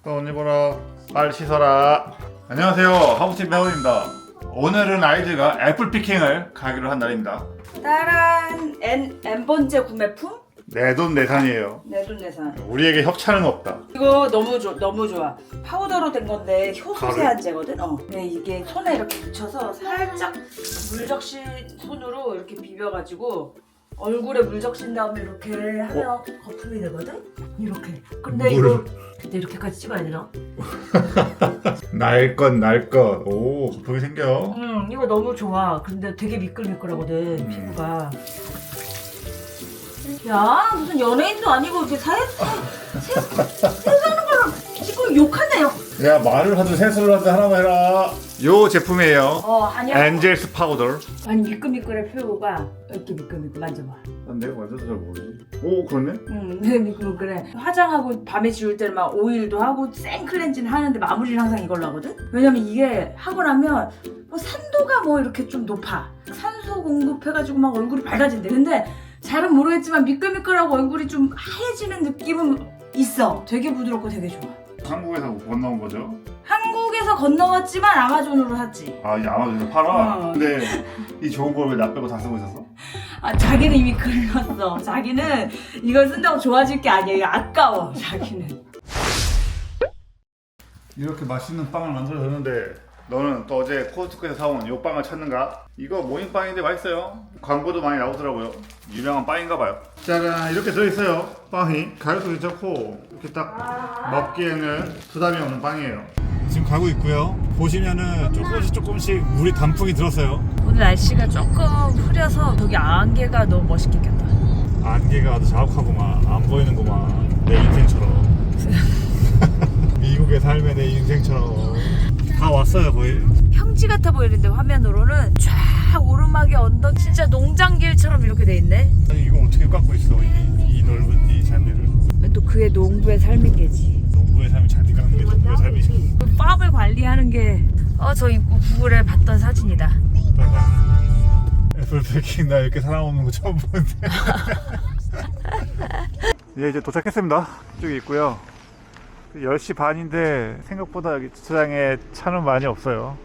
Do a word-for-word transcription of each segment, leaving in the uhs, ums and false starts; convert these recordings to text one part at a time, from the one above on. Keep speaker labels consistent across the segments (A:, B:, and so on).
A: 또 언니 보라. 빨리 씻어라. 안녕하세요, 하부팀 배우입니다. 오늘은 아이들과 애플 피킹을 가기로 한 날입니다.
B: 따란 N, N번째 구매품?
A: 내돈내산이에요.
B: 내돈내산.
A: 우리에게 협찬은 없다.
B: 이거 너무 좋 너무 좋아. 파우더로 된 건데 효소 세안제거든. 어. 근데 이게 손에 이렇게 묻혀서 살짝 물적신 손으로 이렇게 비벼가지고 얼굴에 물적신 다음에 이렇게 하면 어? 거품이 되거든. 이렇게. 근데
A: 물.
B: 이거 근데 이렇게까지 찍어야 되나?
A: 날 것, 날 것. 오, 거품이 생겨.
B: 음, 이거 너무 좋아. 근데 되게 미끌미끌하거든
A: 음.
B: 피부가. 야, 무슨 연예인도 아니고 이렇게 사회 세수하는 거랑 지금 욕하네요.
A: 야, 말을 하든 세수를 하든 하나만 해라. 요 제품이에요.
B: 어, 아니야.
A: 엔젤스 파우더.
B: 아니 미끌미끌해 피부가 이렇게 미끌미끌 만져봐.
A: 난 내가 만져서 잘 모르지. 오, 그렇네.
B: 응, 네 미끌미끌해. 화장하고 밤에 지울 때는 막 오일도 하고 생 클렌징 하는데 마무리를 항상 이걸로 하거든. 왜냐면 이게 하고 나면 뭐 산도가 뭐 이렇게 좀 높아. 산소 공급해가지고 막 얼굴이 밝아진대. 근데 잘은 모르겠지만 미끌미끌하고 얼굴이 좀 하얘지는 느낌은 있어. 되게 부드럽고 되게 좋아.
A: 한국에서 건너온 거죠?
B: 한국에서 건너왔지만 아마존으로 샀지.
A: 아, 이 아마존에서 팔아?
B: 어.
A: 근데 이 좋은 걸 왜 나 빼고 다 쓰고 있었어?
B: 아, 자기는 이미 긁었어. 자기는 이걸 쓴다고 좋아질 게 아니야. 이거 아까워. 자기는.
A: 이렇게 맛있는 빵을 만들어줬는데 너는 또 어제 코스트코에서 사온 이 빵을 찾는가? 이거 모닝빵인데 맛있어요. 광고도 많이 나오더라고요. 유명한 빵인가 봐요. 짜란, 이렇게 들어있어요. 빵이 가격도 괜찮고 이렇게 딱 먹기에는 부담이 없는 빵이에요. 지금 가고 있고요. 보시면은 조금씩 조금씩 물이 단풍이 들었어요.
B: 오늘 날씨가 조금 흐려서 저기 안개가 너무 멋있게 꼈다.
A: 안개가 아주 자욱하구만. 안 보이는구만. 내 인생처럼. 미국의 삶의 내 인생처럼. 다 왔어요, 거의.
B: 평지 같아 보이는데 화면으로는 쫙 오르막의 언덕 진짜 농장길처럼 이렇게 돼 있네.
A: 아니, 이거 어떻게 깎고 있어? 이, 이 넓은 이 잔디를.
B: 또 그의 농부의 삶인 게지.
A: 농부의 삶이 잔디 깎는 게 농부의 삶이지.
B: 그 팜을 관리하는 게 어 저 입구 구글에 봤던 사진이다.
A: 애플 패킹 나 이렇게 사람 없는 거 처음 보는데. 예, 이제 도착했습니다. 이쪽에 있고요. 열 시 반인데 생각보다 여기 주차장에 차는 많이 없어요.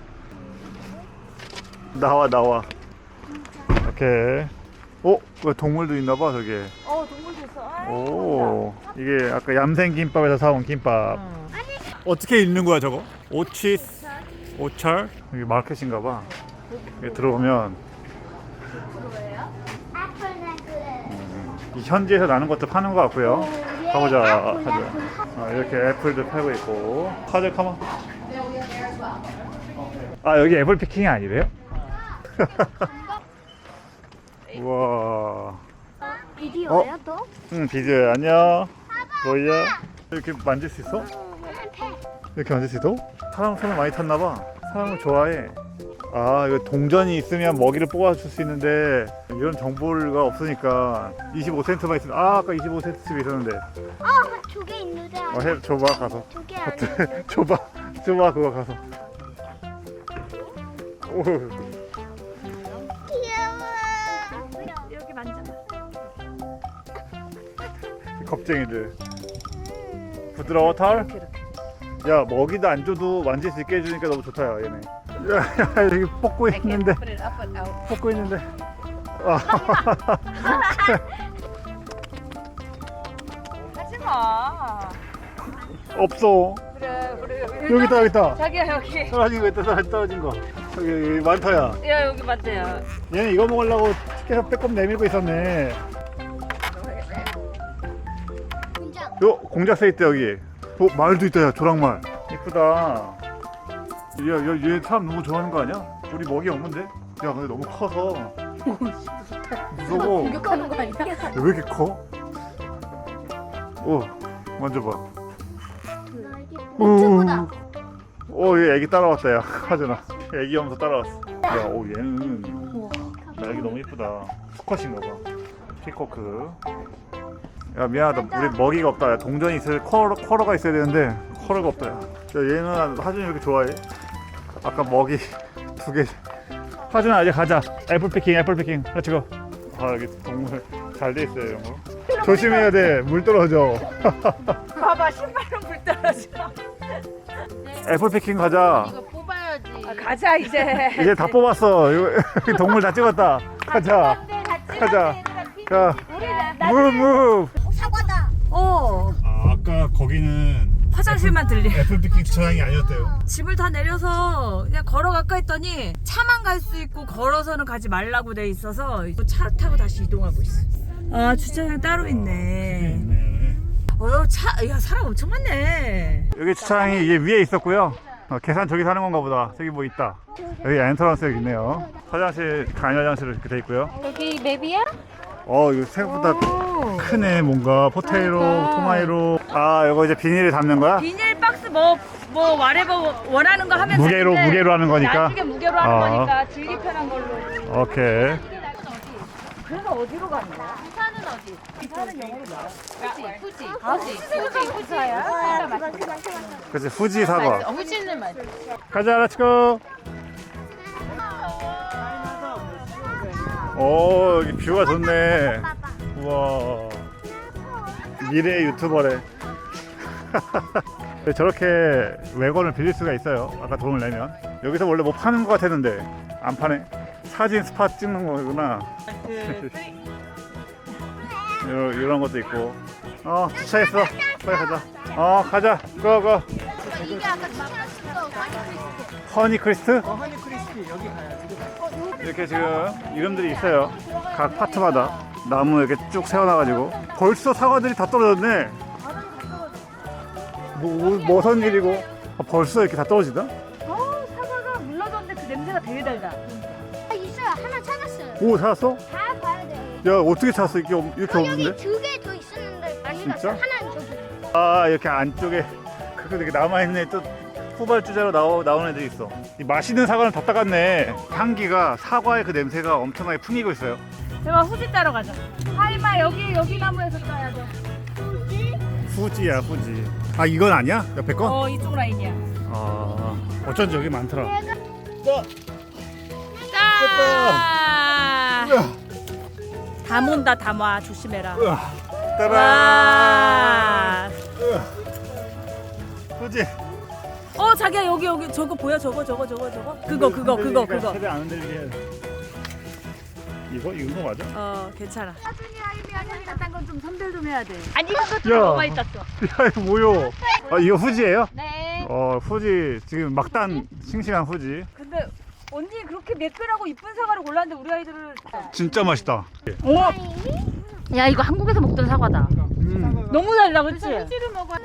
A: 나와 나와. 오케이. 어? 왜 동물도 있나봐 저기.
B: 어 동물도 있어.
A: 오, 이게 아까 얌생김밥에서 사온 김밥.
B: 어.
A: 어떻게 읽는 거야 저거? 오치스 오철? 여기 마켓인가봐. 여기 들어오면 음, 이 현지에서 나는 것도 파는 것 같고요. 가보자. 하자. 아, 이렇게 애플도 팔고 있고. 카드 카마. 아, 여기 애플 피킹이 아니래요? 우와.
C: 비디오야 또?
A: 응, 비디오야. 안녕. 뭐야? 이렇게 만질 수 있어? 이렇게 만질 수 있어? 사람 손을 많이 탔나봐. 사람을 좋아해. 아, 이거 동전이 있으면 먹이를 뽑아줄 수 있는데 이런 정보가 없으니까 이십오 센트만 있으면. 아, 아까 이십오 센트집에 있었는데.
C: 어, 두 개 있는데.
A: 어, 해, 줘봐 가서.
C: 두 개 아니야.
A: 줘봐, 줘봐 그거 가서. 오,
C: 귀여워.
B: 여기 만져봐.
A: 겁쟁이들. 부드러워 털?
B: 이렇게 이렇게.
A: 야, 먹이도 안 줘도 만질 수 있게 해주니까 너무 좋다, 야, 얘네. 야, 야, 여기 뽑고 있는데. 뽑고 있는데. 아.
B: 하지 마.
A: 없어.
B: 그래 그래.
A: 여기 있다, 여기 있다.
B: 자기야 여기.
A: 떨어진 거 있다, 떨어진- 떨어진 거. 여기, 여기 많다야.
B: 야 여기 맞대요.
A: 얘는 이거 먹으려고 계속 빼꼼 내밀고 있었네.
C: 공장.
A: 요, 공작 써 있대, 여기. 어, 말도 있다, 야, 조랑말. 이쁘다. 야, 야, 얘 사람 너무 좋아하는 거 아니야? 우리 먹이 없는데? 야, 근데 너무 커서. 무서워.
C: 공격하는 거 아니야?
A: 왜 이렇게 커? 오, 만져봐.
C: 최고다.
A: 오, 얘 애기 따라왔다, 야. 하준아. 애기 오면서 따라왔어. 야, 오, 얘는. 나 애기 너무 이쁘다. 수컷인가 봐. 피코크. 야, 미안하다. 우리 먹이가 없다. 야, 동전이 있어야, 커러, 커러가 있어야 되는데, 커러가 없다, 야. 야, 얘는 하준이 왜 이렇게 좋아해? 아까 먹이 두 개. 하준아, 이제 가자. 애플 피킹, 애플 피킹. 같이 고. 아, 여기 동물 잘 돼 있어요, 이런 거. 조심해야 돼. 물 떨어져.
B: 봐봐 신발은 물 떨어져.
A: 애플 피킹 가자.
D: 이거 뽑아야지.
B: 아, 가자 이제.
A: 이제 다 뽑았어. 이거 동물 다 찍었다. 가자. 가자. 자, 무브 무브.
C: 사과다.
B: 어
A: 아, 아까 거기는
B: 화장실만 들리.
A: 애플 피킹 주차장이 아니었대요.
B: 집을 다 내려서 그냥 걸어갈까 했더니 차만 갈 수 있고 걸어서는 가지 말라고 돼 있어서 차 타고 다시 이동하고 있어. 아 주차장 따로 있네.
A: 네.
B: 어, 차, 야 사람 엄청 많네.
A: 여기 주차장이 이게 위에 있었고요. 어, 계산 저기 사는 건가 보다. 저기 뭐 있다. 여기 엔트런스 여기 있네요. 화장실, 간이 화장실 이렇게 돼 있고요.
D: 여기 맵이야?
A: 어, 이거 생각보다
B: 오.
A: 크네. 뭔가 포테이로,
B: 그러니까.
A: 토마이로. 아, 이거 이제 비닐에 담는 거야?
B: 비닐 박스 뭐, 뭐, 와레버 원하는 거 하면
A: 무게로,
B: 되는데
A: 무게로 하는 거니까.
B: 나중에 무게로 하는
A: 어.
B: 거니까 들기 편한 걸로.
A: 오케이.
B: 그래서 어디로 가는 거야?
D: 부산은 어디? 부산은 영어로 나와. 후지, 후지,
B: 아,
D: 후지,
B: 후지 생각하면 후지야.
C: 아, 그거 그거 그거.
A: 그치, 후지 사과.
D: 어, 후지는 맞아.
A: 가자, 렛츠고. 오, 여기 뷰가 좋네.
C: 봐봐.
A: 우와. 미래 유튜버래. 저렇게 외관을 빌릴 수가 있어요. 아까 돈을 내면. 여기서 원래 뭐 파는 거 같았는데 안 파네. 사진 스팟 찍는 거구나. 이런, 이런 것도 있고. 어, 주차했어. 빨리 가자. 어, 가자. 고고.
C: 이게 아까 추천했던 거
A: 허니 크리스트? 어, 허니 크리스피 여기 가야지. 이렇게 지금 이름들이 있어요. 각 파트마다 나무 이렇게 쭉 세워놔가지고 벌써 사과들이 다 떨어졌네. 뭐, 뭐선 일이고 아, 벌써 이렇게 다 떨어지다?
B: 어, 사과가 물러졌는데 그 냄새가 되게 달다.
C: 아, 있어요. 하나 찾았어요.
A: 오, 찾았어?
C: 다 봐야 돼.
A: 야, 어떻게 찾았어? 이렇게, 없- 이렇게
C: 어, 여기
A: 없는데?
C: 두 개 더 있었는데 많이
A: 진짜?
C: 갔어. 하나는 저기.
A: 아, 이렇게 안쪽에 그렇게 이렇게 남아있네. 또 후발주자로 나오, 나온 애들이 있어. 이 맛있는 사과는 다 따갔네. 향기가 사과의 그 냄새가 엄청나게 풍기고 있어요.
B: 제가 후지 따러 가자. 하이마 여기 여기 나무에서 따야 돼.
A: 후지야, 후지. 아, 이건 아니야? 옆에 건?
B: 어 이쪽 라인이야.
A: 아, 어쩐지 여기 많더라.
B: 짠! 담온다 담아 조심해라.
A: 따라.
B: 와.
A: 후지.
B: 어 자기야 여기 여기 저거 보여 저거 저거 저거 저거 그거 그거 그거 그거.
A: 최대한 안 흔들리게 해야 돼. 이거 이거 맞아?
B: 어 괜찮아.
C: 나중에 하이미 하는
B: 딴건좀 선별 좀 해야 돼.
D: 아니 이것도
A: 야.
D: 뭐가 있었어.
A: 야, 이거 뭐요? 아, 이거 후지예요?
D: 네.
A: 어, 후지 지금 막단 싱싱한 후지.
B: 근데 언니 그렇게 매끈하고 이쁜 사과를 골랐는데 우리 아이들은
A: 진짜 맛있다.
B: 어
D: 야 이거 한국에서 먹던 사과다.
A: 음.
B: 너무 달라 그렇지?
D: 후지를 먹어.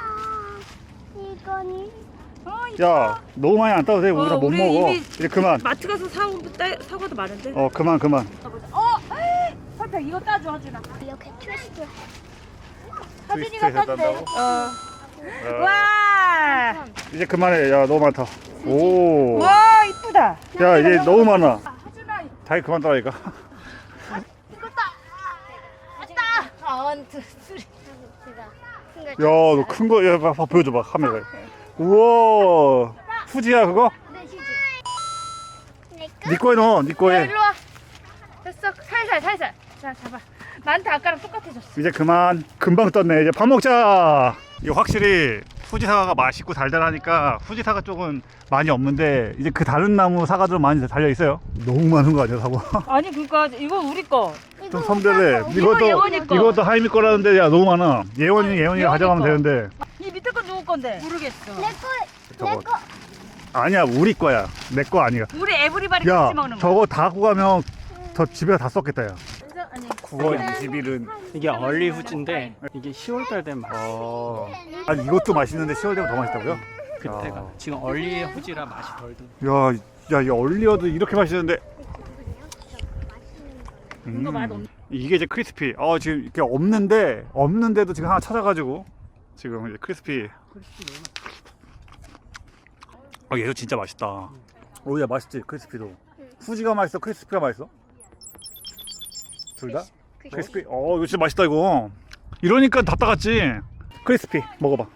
C: 이거니.
A: 야, 너무 많이 안 따도 돼. 우리
B: 어,
A: 다 못
B: 우리
A: 먹어.
B: 이미-
A: 이제 그만.
B: 마트 가서 사온 따- 사과도 많은데.
A: 어, 그만 그만.
B: 어, 설탕 이거 따줘 하준아.
C: 이렇게 트위스트.
B: 하준이가
A: 트위스트해서
B: 땄대.
A: 딴다고?
B: 어.
A: 어,
B: 와,
A: 이제 그만해. 야, 너무 많다. 오.
B: 와 이쁘다.
A: 야, 이제 너무 많아.
B: 하준아,
A: 자기 그만 따라니까.
D: 원, 투, 쓰리.
A: 야, 너 큰 거, 야, 봐, 보여줘봐, 카메라에. 우와, 후지야, 그거?
C: 네, 시지. 내꺼?
A: 네 거에 넣어, 네 거에.
D: 일로 와. 됐어. 살살 살살. 자 잡아. 나한테 아까랑 똑같아졌어.
A: 이제 그만. 금방 떴네. 이제 밥 먹자. 이거 확실히 후지 사과가 맛있고 달달하니까 후지 사과 쪽은 많이 없는데 이제 그 다른 나무 사과들은 많이 달려 있어요. 너무 많은 거 아니야, 사과?
B: 아니 그러니까 이거 우리 거.
A: 좀 선별해. 이것도
B: 예원이 거.
A: 이것도 하이미 거라는데 야 너무 많아. 예원이 예원이가
B: 예원이
A: 가져가면
B: 거.
A: 되는데.
B: 이 밑에 건 누구 건데? 모르겠어.
C: 내꺼.
A: 저거
C: 내꺼.
A: 아니야, 우리 거야. 내 거 아니야.
B: 우리 에브리바디
A: 야,
B: 같이 먹는 거.
A: 저거 다 갖고 가면 저 집에 다 썼겠다, 야.
D: 아니.
A: 구월 이십일은
E: 이게 얼리 후지인데 이게 시월달 되면 맛있어.
A: 어. 아니 이것도 맛있는데 시월 되면 더 맛있다고요?
E: 그때가
A: 야.
E: 지금 얼리 후지라 맛이 덜 든.
A: 야, 야, 이 얼리어도 이렇게 맛있는데.
B: 이거 맛 없.
A: 이게 이제 크리스피. 어, 지금 이렇게 없는데 없는데도 지금 하나 찾아가지고 지금 이제 크리스피. 어, 얘도 진짜 맛있다. 오, 야, 맛있지 크리스피도. 후지가 맛있어, 크리스피가 맛있어? 둘 다? 크리스피. 어, 이거 진짜 맛있다 이거. 이러니까 다 따갔지. 크리스피 먹어봐.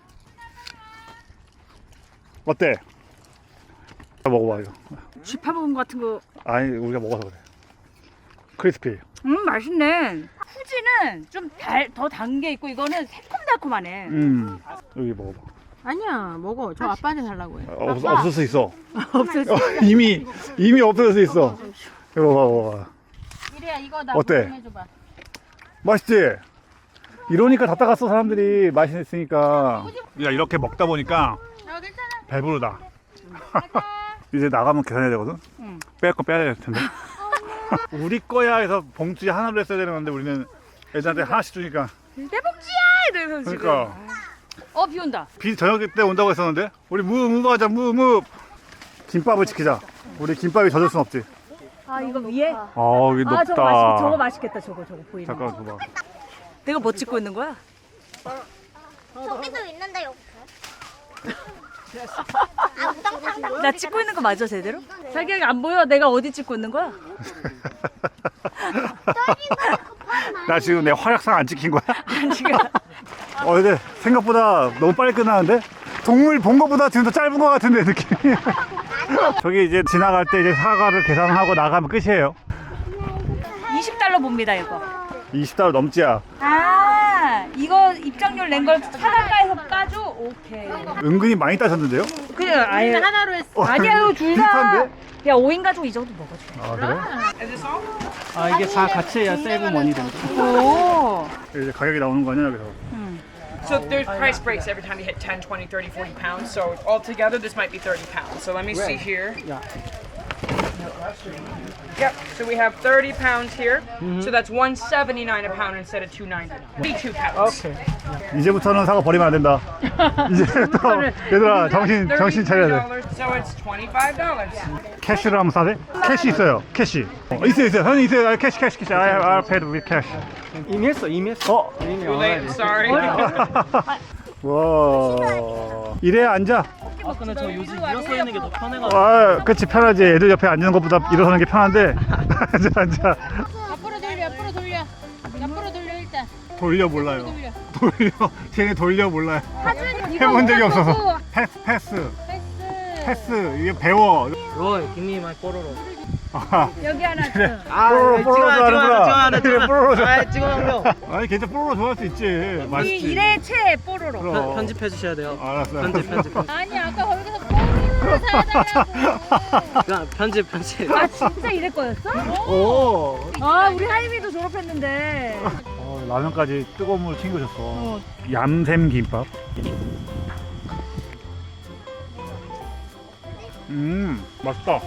A: 어때? 먹어봐 이거.
B: 쥐파 먹은 거 같은 거.
A: 아니 우리가 먹어서 그래. 크리스피.
B: 음 맛있네. 후지는 좀 더 단 게 있고 이거는 새콤달콤하네.
A: 음 여기 먹어봐.
D: 아니야 먹어. 저 아빠한테 달라고 해.
A: 어, 없, 없을 수 있어. 없었어. 이미 이미 없을 수 있어. 이거 봐봐. 봐봐.
D: 이래야 이거 나
A: 어때?
D: 좀 해줘봐.
A: 맛있지? 이러니까 다 따갔어 사람들이 맛있으니까. 야 이렇게 먹다 보니까
D: 어 괜찮아.
A: 배부르다. 이제 나가면 계산해야 되거든.
B: 응.
A: 뺄 거 빼야 될 텐데. 우리 거야 해서 봉투에 하나로 했어야 되는 건데 우리는 애들한테 하나씩 주니까.
B: 내 복지야 이러면서 지금.
A: 그러니까
B: 어 비 온다.
A: 비 저녁 때 온다고 했었는데 우리 무무 하자 무무. 김밥을 지키자. 우리 김밥이 젖을 순 없지.
B: 아 이거 위에?
A: 아 여기 높다.
B: 아 저거 맛있 저거 맛있겠다 저거 저거 보이는.
A: 잠깐 봐봐.
B: 내가 뭐 찍고 있는 거야?
C: 저기도 있는데 여기. 아 우당탕탕.
B: 나 찍고 있는 거 맞아 제대로? 자기가 안 보여? 내가 어디 찍고 있는 거야?
A: 나 지금 내 활약상 안 찍힌 거야?
B: 아니 지금.
A: 어 근데 생각보다 너무 빨리 끝나는데? 동물 본 거보다 지금 더 짧은 거 같은데 느낌이. 저기 이제 지나갈 때 이제 사과를 계산하고 나가면 끝이에요.
B: 이십 달러 봅니다 이거.
A: 이십 달러 넘지야.
B: 아 이거 입장료를 낸 걸 사단가에서 까줘? 오케이.
A: 은근히 많이 따셨는데요?
B: 그래 아예
D: 하나로 했어.
B: 아니야 이거 둘 다.
A: 비슷한데?
B: 야 오 인 가족 이 정도 먹어줘.
A: 아 그래?
E: 아 이게 다 같이 해야 세이브 머니 됩니다.
B: 오.
A: 이제 가격이 나오는 거 아니야 여기서?
F: So there's price breaks every time you hit ten, twenty, thirty, forty pounds. So altogether, this might be thirty pounds. So let me see here.
E: Yeah.
F: Yep. So we have thirty pounds here. So that's one seventy-nine a pound instead of two ninety-nine. Thirty-two pounds.
E: 오케이.
A: 이제부터는 사과 버리면 안 된다. 이제부터 얘들아 정신 정신 차려야 돼.
F: So it's twenty-five dollars.
A: 캐시로 한번 사세? 캐시 있어요. 캐시. 어, 있어요 있어요. 현이 있어요. 아, 캐시 캐시 캐시. I I paid with cash.
E: 이미 했어 이미 했어.
A: 어?
E: 이미
F: Too late. Sorry.
A: 와. 이래 앉아.
E: 아 근데 저 요즘 일어서 있는 게 더 편해가지고.
A: 아, 그치 편하지. 애들 옆에 앉는 것보다 일어서는 게 편한데. 앉아 앉아.
D: 앞으로 돌려 앞으로 돌려. 앞으로 돌려 일단.
A: 돌려 몰라요.
D: 돌려.
A: 돌려. 쟤네 돌려 몰라요. 해본 적이 없어서. 패스 패스
D: 패스.
A: 패스. 이게 배워.
E: 로이 김이 마이 뽀로로.
A: 아,
B: 여기 하나 줘.
A: 뽀로로 뽀로로 좋아하는구나. 그래 뽀로로 좋아.
E: 아 찍어놓으려.
A: 아니 괜찮아 뽀로로 좋아할 수 있지.
B: 이
A: 맛있지.
B: 일의 최애 뽀로로.
A: 그럼.
E: 편집해 주셔야 돼요.
A: 알았어.
E: 편집 편집. 편집.
D: 아니 아까 거기서 뽀로로 사달라고.
E: 그냥 편집 편집.
B: 아 진짜 이럴 거였어?
A: 오.
B: 아 우리 하이미도 졸업했는데.
A: 어, 라면까지 뜨거운 물 챙겨줬어. 얌샘 김밥. 음 맛있다.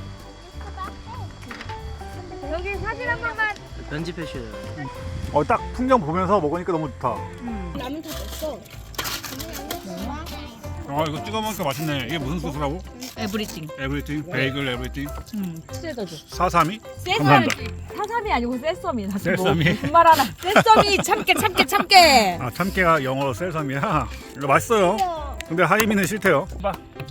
B: 여기 사진 한 번만.
E: 편집해 주셔야 돼요.
A: 어 딱 풍경 보면서 먹으니까 너무 좋다.
C: 라면 다 됐어.
A: 아 이거 찍어 먹으니까 맛있네. 이게 무슨 소스라고?
B: 에브리띵.
A: 에브리띵, 베이글 에브리띵.
B: 음. 치즈도 줘.
A: 사삼이?
B: 세삼이.
A: 감사합니다.
B: 사삼이 아니고 세썸이. 나 지금
A: 세썸이?
B: 뭐 무슨 말 하나. 세썸이 참깨 참깨 참깨.
A: 아 참깨가 영어로 셀삼이야. 이거 맛있어요. 근데 하이미는 싫대요. 봐.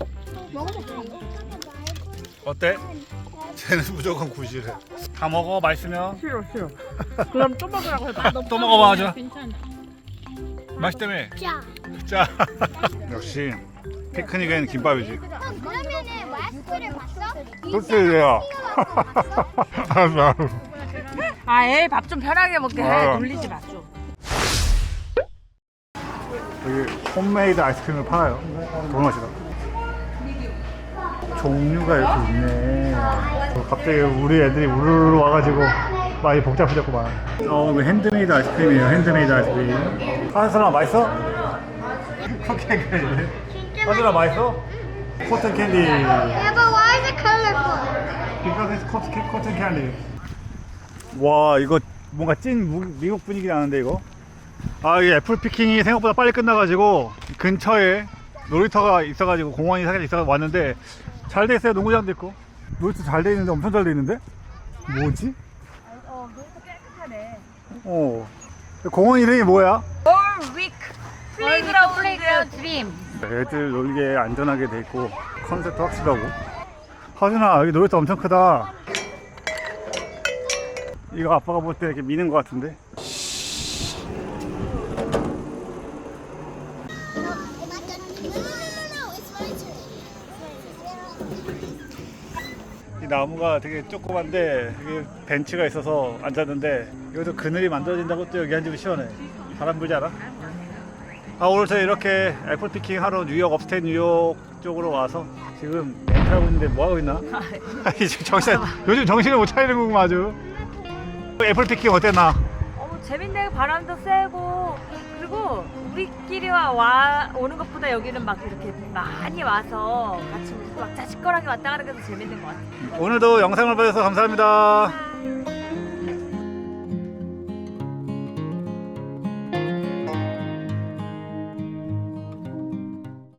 A: 어때? 쟤는 무조건 구실해. 다 먹어 맛있으면.
B: 싫어 싫어. 그럼 또 먹으라고 해봐.
A: 또 먹어봐 하자.
D: 괜찮아.
A: 맛있다며.
C: 자.
A: 자. 역시 피크닉엔 김밥이지.
C: 그러면은 와이스를 봤어?
A: 그렇지야. 알았어 알았어.
B: 아애 밥 좀 편하게 먹게 해.
A: 아.
B: 놀리지 마 좀.
A: 여기 홈메이드 아이스크림을 팔아요. 도넛이다. 종류가 이렇게 있네. 어, 갑자기 우리 애들이 우르르 와가지고 많이 복잡해졌구만. 어, 이거 핸드메이드 아이스크림이에요. 핸드메이드 아이스크림. 하는 사람 맛있어? 그렇게 그래. 하는 사람 맛있어? 코튼 캔디.
C: Yeah, but why is it colorful?
A: Because it's cotton, cotton candy. 와, 이거 뭔가 찐 무, 미국 분위기 나는데 이거. 아, 이 애플 피킹이 생각보다 빨리 끝나가지고 근처에 놀이터가 있어가지고 공원이 살짝 있어서 왔는데 잘 돼 있어요. 농구장도 있고 놀이터 잘 돼 있는데 엄청 잘 돼 있는데 뭐지?
B: 어 놀이터 깨끗하네.
A: 어 공원 이름이 뭐야?
B: 올윅 플레이그라운드 플레이그라운드 드림.
A: 애들 놀기에 안전하게 돼 있고 컨셉도 확실하고. 하준아 여기 놀이터 엄청 크다. 이거 아빠가 볼 때 이렇게 미는 것 같은데. 이 나무가 되게 조그만데 여기 벤치가 있어서 앉았는데 여기서 그늘이 만들어진다고 또 여기 앉으면 시원해. 바람 불지 않아? 아, 오늘 저희 이렇게 애플 피킹 하러 뉴욕 업스테이트 뉴욕 쪽으로 와서 지금 렌트하고 있는데 뭐 하고 있나? 아니, 지금 정신 요즘 정신을 못 차리는 거구만 아주. 애플 피킹 어땠나?
B: 어, 재밌네. 바람도 세고 그리고 우리끼리 와, 와 오는 것보다 여기는 막 이렇게 많이 와서 같이 막 자식거리하게 왔다 가는 게 더 재밌는 것 같아.
A: 오늘도 영상을 봐주셔서 감사합니다.
B: 아.